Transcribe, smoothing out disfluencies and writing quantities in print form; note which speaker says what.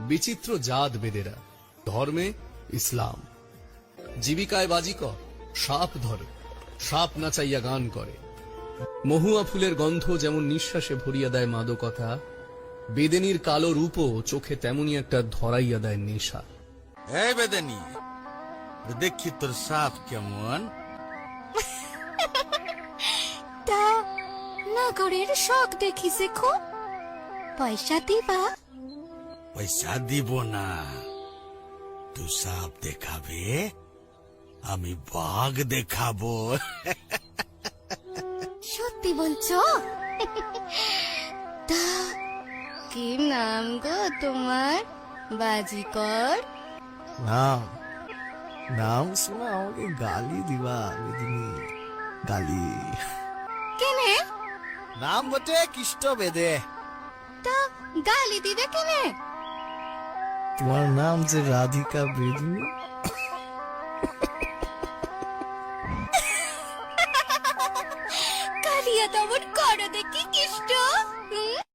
Speaker 1: বিচিত্র জাত বেদেরা, ধর্মে ইসলাম, জীবিকায় বাজিকর, সাপ ধরে, সাপ নাচাইয়া গান করে। মহুয়া ফুলের গন্ধ যেমন নিঃশ্বাসে ভরিয়া দেয় মাদকতা, বেদেনীর কালো রূপও চোখে তেমনি একটা ধরাইয়া দেয় নেশা।
Speaker 2: এই বেদেনী, দেখি তোর সাপ কেমন।
Speaker 3: তা নগরের শখ দেখিছে খুব, পয়সা দিবা?
Speaker 2: পয়সা দিব না, তুই সাপ দেখাবে, আমি বাঘ দেখাবো।
Speaker 3: সত্যি বলছো? তা কি নাম গো তোমার, বাজিকর?
Speaker 4: নাম নাম শোনা আমাকে গালি দিবা বেদিনী, গালি।
Speaker 3: কেনে?
Speaker 4: নাম বটে কৃষ্ট বেদে।
Speaker 3: তা গালি দিবে কেনে?
Speaker 4: তোমার নাম যে রাধিকা বেদিনী।
Speaker 3: কালিয়া দমন করো দেখি কৃষ্ণ।